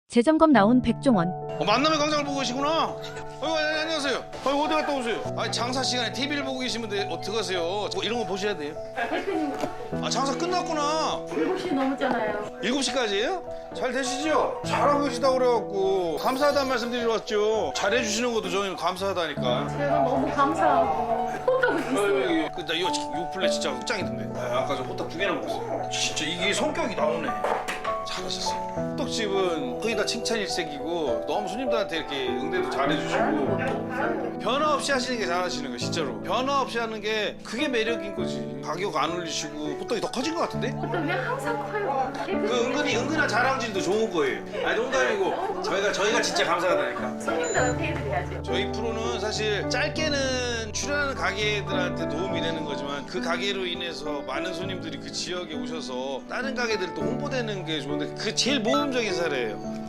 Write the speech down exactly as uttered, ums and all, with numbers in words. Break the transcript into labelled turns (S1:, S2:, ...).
S1: 재점검 나온 백종원.
S2: 어, 만남의 광장을 보고 계시구나. 어이구, 안녕하세요. 어이구, 어디 갔다 오세요? 아니, 장사 시간에 티비를 보고 계시면 돼. 어떡하세요? 뭐 이런 거 보셔야 돼요.
S3: 대표님
S2: 아, 장사 끝났구나.
S3: 일곱 시 넘었잖아요.
S2: 일곱 시까지예요? 잘 되시죠? 잘하고 계시다고 그래갖고 감사하다는 말씀 드리러 왔죠. 잘해주시는 것도 저희는 감사하다니까.
S3: 제가 너무 감사하고 호떡을 있어요.
S2: 그, 나 이거 요 플레 진짜 짱이던데. 아, 아까 저 호떡 두 개나 먹었어요. 진짜 이게 성격이 나오네. 잘하셨어요. 호떡집은 거의 다 칭찬 일색이고 너무 손님들한테 이렇게 응대도 잘해주시고 변화 없이 하시는 게 잘하시는 거예요, 진짜로. 변화 없이 하는 게 그게 매력인 거지. 가격 안 올리시고 호떡이 더 커진 것 같은데?
S3: 호떡이 항상 커요.
S2: 그 은근히 은근한 자랑질도 좋은 거예요. 아니 농담이고 저희가 저희가 진짜 감사하다니까.
S3: 손님들한테 해드려야죠.
S2: 저희 프로는 사실 짧게는 출연하는 가게들한테 도움이 되는 거지만 그 가게로 인해서 많은 손님들이 그 지역에 오셔서 다른 가게들 또 홍보되는 게 좋은데 그 제일 모범적인 사례예요.